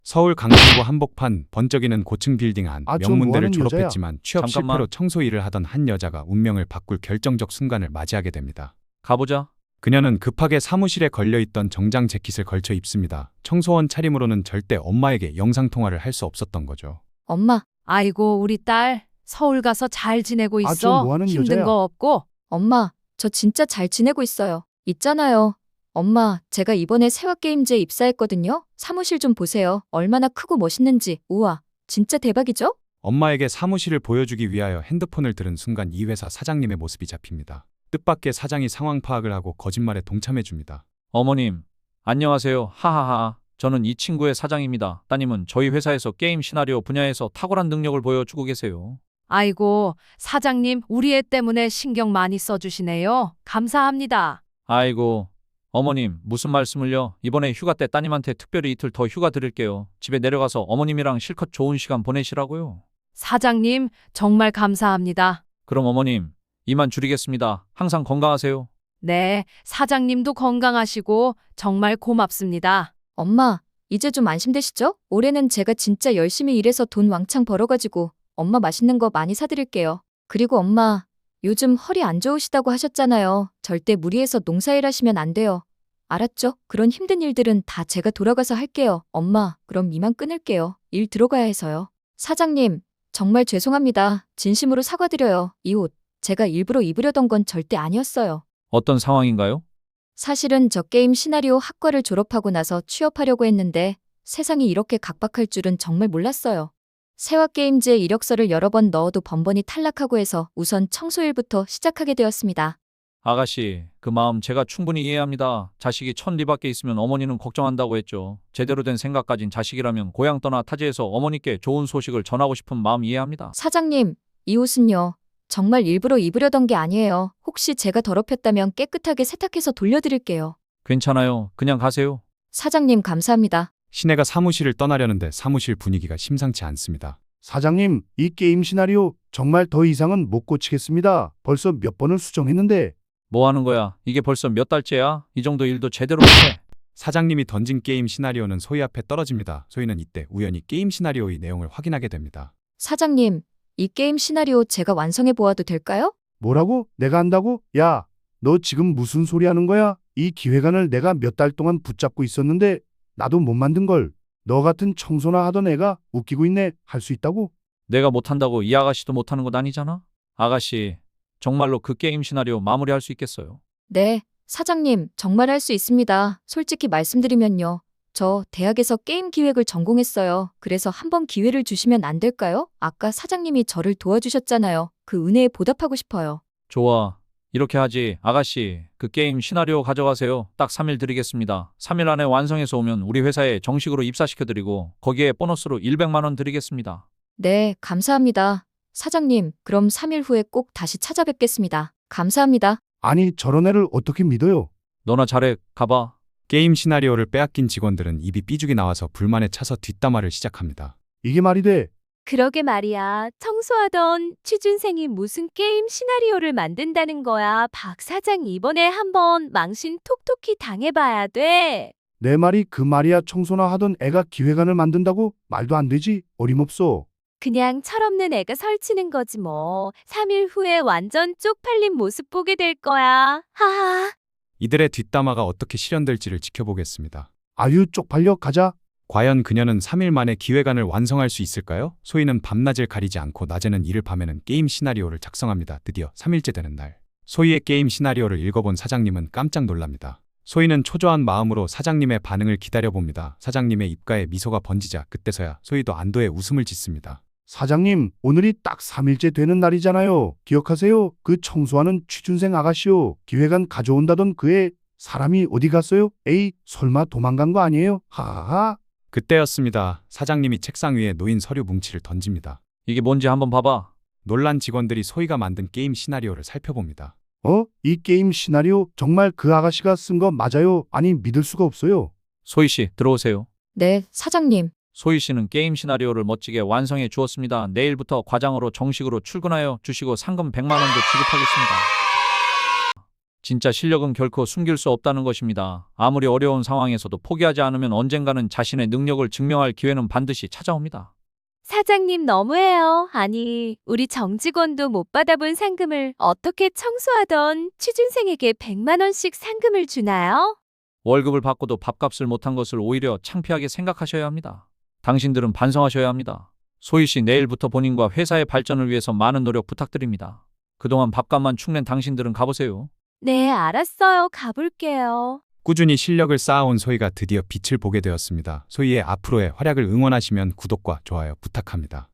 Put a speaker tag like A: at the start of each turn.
A: 서울 강남구 한복판 번쩍이는 고층 빌딩 안
B: 아, 저
A: 명문대를
B: 뭐하는 여자야?
A: 졸업했지만 취업
C: 잠깐만.
A: 실패로 청소 일을 하던 한 여자가 운명을 바꿀 결정적 순간을 맞이하게 됩니다.
C: 가보자.
A: 그녀는 급하게 사무실에 걸려있던 정장 재킷을 걸쳐 입습니다. 청소원 차림으로는 절대 엄마에게 영상통화를 할 수 없었던 거죠.
D: 엄마,
E: 아이고, 우리 딸 서울 가서 잘 지내고
B: 아, 저
E: 있어.
B: 뭐하는
E: 힘든
B: 여자야?
E: 거 없고.
D: 엄마, 저 진짜 잘 지내고 있어요. 있잖아요. 엄마, 제가 이번에 세화게임즈에 입사했거든요. 사무실 좀 보세요. 얼마나 크고 멋있는지. 우와, 진짜 대박이죠?
A: 엄마에게 사무실을 보여주기 위하여 핸드폰을 들은 순간 이 회사 사장님의 모습이 잡힙니다. 뜻밖의 사장이 상황 파악을 하고 거짓말에 동참해줍니다.
C: 어머님, 안녕하세요. 하하하. 저는 이 친구의 사장입니다. 따님은 저희 회사에서 게임 시나리오 분야에서 탁월한 능력을 보여주고 계세요.
E: 아이고, 사장님, 우리 애 때문에 신경 많이 써주시네요. 감사합니다.
C: 아이고, 어머님, 무슨 말씀을요? 이번에 휴가 때 따님한테 특별히 이틀 더 휴가 드릴게요. 집에 내려가서 어머님이랑 실컷 좋은 시간 보내시라고요.
E: 사장님, 정말 감사합니다.
C: 그럼 어머님, 이만 줄이겠습니다. 항상 건강하세요.
E: 네, 사장님도 건강하시고 정말 고맙습니다.
D: 엄마, 이제 좀 안심되시죠? 올해는 제가 진짜 열심히 일해서 돈 왕창 벌어가지고 엄마 맛있는 거 많이 사드릴게요. 그리고 엄마, 요즘 허리 안 좋으시다고 하셨잖아요. 절대 무리해서 농사일 하시면 안 돼요. 알았죠? 그런 힘든 일들은 다 제가 돌아가서 할게요. 엄마, 그럼 이만 끊을게요. 일 들어가야 해서요. 사장님, 정말 죄송합니다. 진심으로 사과드려요. 이 옷, 제가 일부러 입으려던 건 절대 아니었어요.
C: 어떤 상황인가요?
D: 사실은 저 게임 시나리오 학과를 졸업하고 나서 취업하려고 했는데 세상이 이렇게 각박할 줄은 정말 몰랐어요. 세화게임즈에 이력서를 여러 번 넣어도 번번이 탈락하고 해서 우선 청소일부터 시작하게 되었습니다.
C: 아가씨, 그 마음 제가 충분히 이해합니다. 자식이 천리밖에 있으면 어머니는 걱정한다고 했죠. 제대로 된 생각 가진 자식이라면 고향 떠나 타지에서 어머니께 좋은 소식을 전하고 싶은 마음 이해합니다.
D: 사장님, 이 옷은요. 정말 일부러 입으려던 게 아니에요. 혹시 제가 더럽혔다면 깨끗하게 세탁해서 돌려드릴게요.
C: 괜찮아요. 그냥 가세요.
D: 사장님, 감사합니다.
A: 시내가 사무실을 떠나려는데 사무실 분위기가 심상치 않습니다.
B: 사장님, 이 게임 시나리오 정말 더 이상은 못 고치겠습니다. 벌써 몇 번을 수정했는데.
C: 뭐 하는 거야? 이게 벌써 몇 달째야? 이 정도 일도 제대로 못해.
A: 사장님이 던진 게임 시나리오는 소희 앞에 떨어집니다. 소희는 이때 우연히 게임 시나리오의 내용을 확인하게 됩니다.
D: 사장님, 이 게임 시나리오 제가 완성해 보아도 될까요?
B: 뭐라고? 내가 한다고? 야, 너 지금 무슨 소리 하는 거야? 이 기획안을 내가 몇 달 동안 붙잡고 있었는데 나도 못 만든 걸. 너 같은 청소나 하던 애가 웃기고 있네. 할 수 있다고?
C: 내가 못한다고 이 아가씨도 못하는 것 아니잖아? 아가씨, 정말로 그 게임 시나리오 마무리할 수 있겠어요?
D: 네, 사장님, 정말 할 수 있습니다. 솔직히 말씀드리면요. 저 대학에서 게임 기획을 전공했어요. 그래서 한번 기회를 주시면 안 될까요? 아까 사장님이 저를 도와주셨잖아요. 그 은혜에 보답하고 싶어요.
C: 좋아. 이렇게 하지. 아가씨, 그 게임 시나리오 가져가세요. 딱 3일 드리겠습니다. 3일 안에 완성해서 오면 우리 회사에 정식으로 입사시켜드리고 거기에 보너스로 100만 원 드리겠습니다.
D: 네, 감사합니다. 사장님, 그럼 3일 후에 꼭 다시 찾아뵙겠습니다. 감사합니다.
B: 아니, 저런 애를 어떻게 믿어요?
C: 너나 잘해. 가봐.
A: 게임 시나리오를 빼앗긴 직원들은 입이 삐죽이 나와서 불만에 차서 뒷담화를 시작합니다.
B: 이게 말이 돼?
F: 그러게 말이야. 청소하던 취준생이 무슨 게임 시나리오를 만든다는 거야. 박 사장 이번에 한번 망신 톡톡히 당해봐야 돼.
B: 내 말이 그 말이야. 청소나 하던 애가 기획안을 만든다고? 말도 안 되지. 어림없어.
F: 그냥 철없는 애가 설치는 거지 뭐. 3일 후에 완전 쪽팔린 모습 보게 될 거야. 하하.
A: 이들의 뒷담화가 어떻게 실현될지를 지켜보겠습니다.
B: 아유, 쪽팔려. 가자.
A: 과연 그녀는 3일 만에 기획안을 완성할 수 있을까요? 소희는 밤낮을 가리지 않고 낮에는 일을 밤에는 게임 시나리오를 작성합니다. 드디어 3일째 되는 날. 소희의 게임 시나리오를 읽어본 사장님은 깜짝 놀랍니다. 소희는 초조한 마음으로 사장님의 반응을 기다려봅니다. 사장님의 입가에 미소가 번지자 그때서야 소희도 안도의 웃음을 짓습니다.
B: 사장님, 오늘이 딱 3일째 되는 날이잖아요. 기억하세요? 그 청소하는 취준생 아가씨요. 기획안 가져온다던 그 애 사람이 어디 갔어요? 에이, 설마 도망간 거 아니에요? 하하하.
A: 그때였습니다. 사장님이 책상 위에 놓인 서류 뭉치를 던집니다.
C: 이게 뭔지 한번 봐봐.
A: 놀란 직원들이 소희가 만든 게임 시나리오를 살펴봅니다.
B: 이 게임 시나리오 정말 그 아가씨가 쓴 거 맞아요? 아니, 믿을 수가 없어요.
C: 소희 씨, 들어오세요.
D: 네, 사장님.
C: 소희 씨는 게임 시나리오를 멋지게 완성해 주었습니다. 내일부터 과장으로 정식으로 출근하여 주시고 상금 100만 원도 지급하겠습니다. 진짜 실력은 결코 숨길 수 없다는 것입니다. 아무리 어려운 상황에서도 포기하지 않으면 언젠가는 자신의 능력을 증명할 기회는 반드시 찾아옵니다.
F: 사장님 너무해요. 아니, 우리 정직원도 못 받아본 상금을 어떻게 청소하던 취준생에게 100만 원씩 상금을 주나요?
C: 월급을 받고도 밥값을 못한 것을 오히려 창피하게 생각하셔야 합니다. 당신들은 반성하셔야 합니다. 소희 씨, 내일부터 본인과 회사의 발전을 위해서 많은 노력 부탁드립니다. 그동안 밥값만 축낸 당신들은 가보세요.
F: 네, 알았어요. 가볼게요.
A: 꾸준히 실력을 쌓아온 소희가 드디어 빛을 보게 되었습니다. 소희의 앞으로의 활약을 응원하시면 구독과 좋아요 부탁합니다.